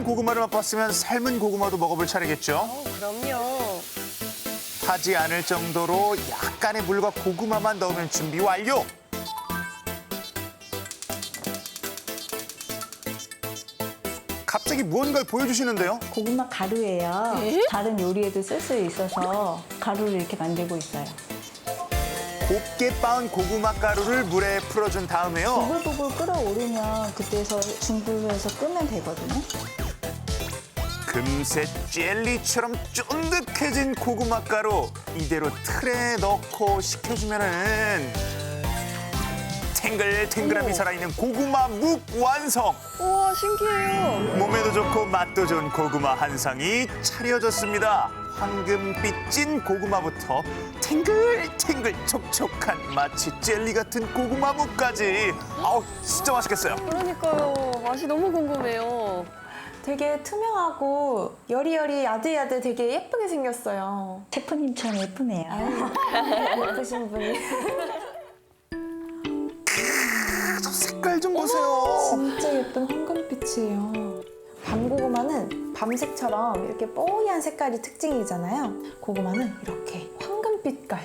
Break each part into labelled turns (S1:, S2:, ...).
S1: 고구마를 맛봤으면 삶은 고구마도 먹어볼 차례겠죠.
S2: 그럼요.
S1: 타지 않을 정도로 약간의 물과 고구마만 넣으면 준비 완료. 갑자기 무언가를 보여주시는데요.
S3: 고구마 가루예요. 다른 요리에도 쓸 수 있어서 가루를 이렇게 만들고 있어요.
S1: 곱게 빻은 고구마 가루를 물에 풀어준 다음에요.
S3: 보글보글 끓어오르면 그때서 중불에서 끄면 되거든요.
S1: 금세 젤리처럼 쫀득해진 고구마 가루 이대로 틀에 넣고 식혀주면은 탱글탱글함이 살아있는 고구마 묵 완성.
S2: 우와, 신기해요.
S1: 몸에도 좋고 맛도 좋은 고구마 한 상이 차려졌습니다. 황금빛 찐 고구마부터 탱글탱글 촉촉한 마치 젤리 같은 고구마 묵까지. 아우 진짜 맛있겠어요.
S2: 그러니까요. 맛이 너무 궁금해요.
S4: 되게 투명하고 여리여리 야들야들 되게 예쁘게 생겼어요.
S3: 셰프님처럼 예쁘네요.
S4: 예쁘신 분이.
S1: 색깔 좀 보세요.
S4: 진짜 예쁜 황금빛이에요. 밤고구마는 밤색처럼 이렇게 뽀얀 색깔이 특징이잖아요. 고구마는 이렇게 황금빛깔.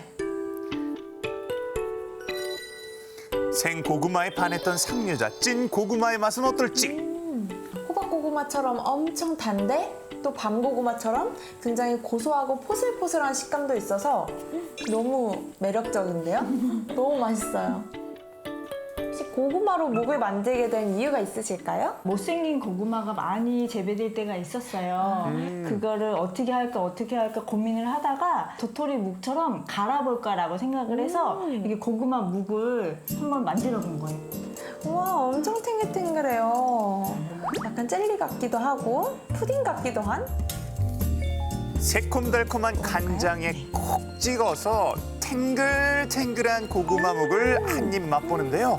S1: 생고구마에 반했던 상여자 찐 고구마의 맛은 어떨지.
S4: 호박고구마처럼 엄청 단데 또 밤고구마처럼 굉장히 고소하고 포슬포슬한 식감도 있어서 너무 매력적인데요? 너무 맛있어요. 혹시 고구마로 묵을 만들게 된 이유가 있으실까요?
S3: 못생긴 고구마가 많이 재배될 때가 있었어요. 그거를 어떻게 할까 고민을 하다가 도토리 묵처럼 갈아볼까라고 생각을 해서 이게 고구마 묵을 한번 만들어 본 거예요.
S4: 우와, 엄청 탱글탱글해요. 약간 젤리 같기도 하고 푸딩 같기도 한?
S1: 새콤달콤한 간장에 콕 찍어서 탱글탱글한 고구마 묵을 한 입 맛보는데요.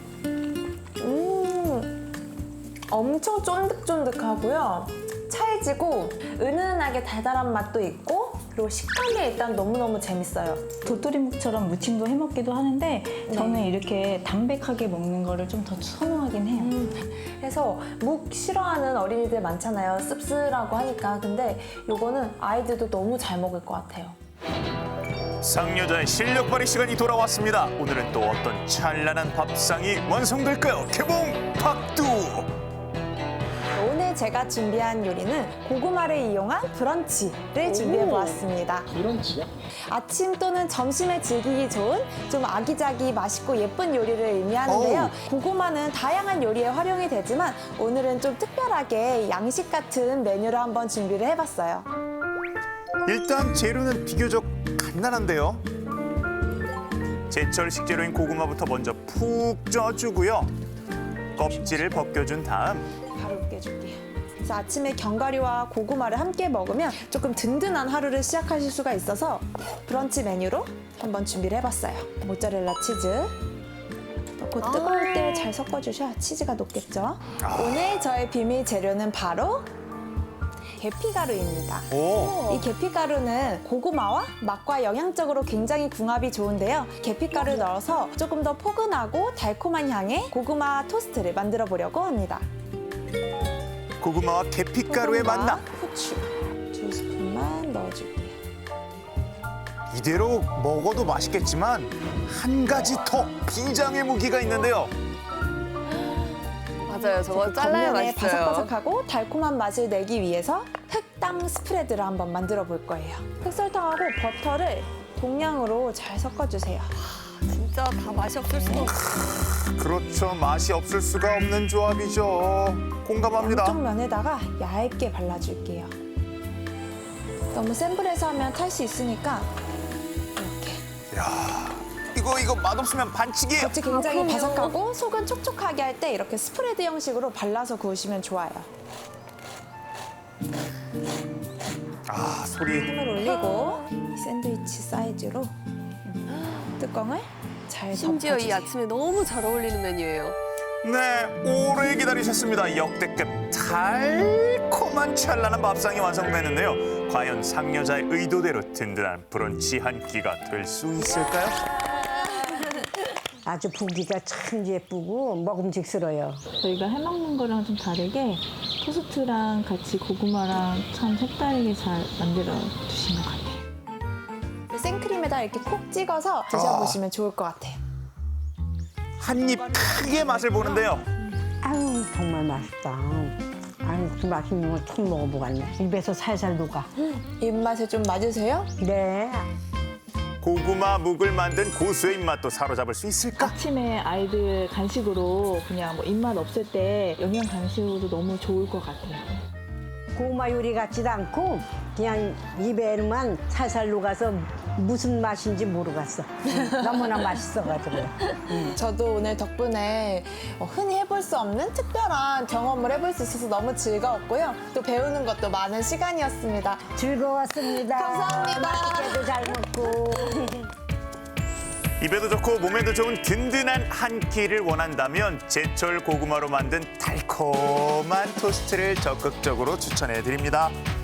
S4: 엄청 쫀득쫀득하고요. 찰지고 은은하게 달달한 맛도 있고 그리고 식감이 일단 너무너무 재밌어요.
S3: 도토리 묵처럼 무침도 해 먹기도 하는데 저는 이렇게 담백하게 먹는 거를 좀 더 선호하긴 해요.
S4: 그래서 묵 싫어하는 어린이들 많잖아요. 씁쓸하고 하니까. 근데 요거는 아이들도 너무 잘 먹을 것 같아요.
S1: 상여자의 실력 발휘 시간이 돌아왔습니다. 오늘은 또 어떤 찬란한 밥상이 완성될까요? 개봉 박두!
S4: 오늘 제가 준비한 요리는 고구마를 이용한 브런치를 준비해보았습니다.
S5: 브런치요?
S4: 아침 또는 점심에 즐기기 좋은 좀 아기자기 맛있고 예쁜 요리를 의미하는데요. 고구마는 다양한 요리에 활용이 되지만 오늘은 좀 특별하게 양식 같은 메뉴를 한번 준비를 해봤어요.
S1: 일단 재료는 비교적 간단한데요. 제철 식재료인 고구마부터 먼저 푹 쪄주고요. 껍질을 벗겨준 다음
S4: 바로 으깨줄게요. 그래서 아침에 견과류와 고구마를 함께 먹으면 조금 든든한 하루를 시작하실 수가 있어서 브런치 메뉴로 한번 준비를 해봤어요. 모짜렐라 치즈 넣고 뜨거울 때 잘 섞어주셔야 치즈가 녹겠죠. 오늘 저의 비밀 재료는 바로 계피가루입니다.
S1: 오,
S4: 이 계피가루는 고구마와 맛과 영양적으로 굉장히 궁합이 좋은데요. 계피가루를 넣어서 조금 더 포근하고 달콤한 향의 고구마 토스트를 만들어 보려고 합니다.
S1: 고구마와 계피가루의 만남.
S4: 후추 2스푼만 넣어줄게요.
S1: 이대로 먹어도 맛있겠지만 한 가지 더 비장의 무기가 있는데요.
S2: 맞아요. 저거 잘라야
S4: 겉면에
S2: 맛있어요.
S4: 바삭바삭하고 달콤한 맛을 내기 위해서 흑당 스프레드를 한번 만들어 볼 거예요. 흑설탕하고 버터를 동량으로 잘 섞어주세요.
S2: 진짜 다 맛이 없을 수가 없어요.
S1: 그렇죠. 맛이 없을 수가 없는 조합이죠. 공감합니다.
S4: 양쪽 면에다가 얇게 발라줄게요. 너무 센 불에서 하면 탈 수 있으니까 이렇게.
S1: 야, 이거 맛없으면 반칙이에요.
S4: 겉이 굉장히
S2: 그럼요.
S4: 바삭하고 속은 촉촉하게 할 때 이렇게 스프레드 형식으로 발라서 구우시면 좋아요.
S1: 아, 소리.
S4: 힘을 올리고 이 샌드위치 사이즈로 뚜껑을 잘
S2: 심지어 이
S4: 덮어주세요.
S2: 아침에 너무 잘 어울리는 메뉴예요.
S1: 네, 오래 기다리셨습니다. 역대급 달콤한 찬란한 밥상이 완성됐는데요. 과연 상여자의 의도대로 든든한 브런치 한 끼가 될 수 있을까요?
S6: 아주 보기가 참 예쁘고 먹음직스러워요.
S3: 저희가 해먹는 거랑 좀 다르게 토스트랑 같이 고구마랑 참 색다르게 잘 만들어 주신 것 같아요.
S4: 생크림에다 이렇게 콕 찍어서 드셔보시면 좋을 것 같아요.
S1: 한 입 크게 맛을 보는데요.
S5: 아유 정말 맛있다. 아유 그 맛있는 거 처음 먹어보겠네. 입에서 살살 녹아.
S4: 입맛에 좀 맞으세요?
S5: 네.
S1: 고구마 묵을 만든 고수의 입맛도 사로잡을 수 있을까?
S3: 아침에 아이들 간식으로 그냥 뭐 입맛 없을 때 영양 간식으로 너무 좋을 것 같아요.
S5: 고구마 요리 같지도 않고 그냥 입에만 살살 녹아서 무슨 맛인지 모르겠어. 너무나 맛있어가지고.
S4: 저도 오늘 덕분에 흔히 해볼 수 없는 특별한 경험을 해볼 수 있어서 너무 즐거웠고요. 또 배우는 것도 많은 시간이었습니다.
S5: 즐거웠습니다.
S4: 감사합니다.
S5: 맛있게도 잘 먹고.
S1: 입에도 좋고 몸에도 좋은 든든한 한 끼를 원한다면 제철 고구마로 만든 달콤한 토스트를 적극적으로 추천해 드립니다.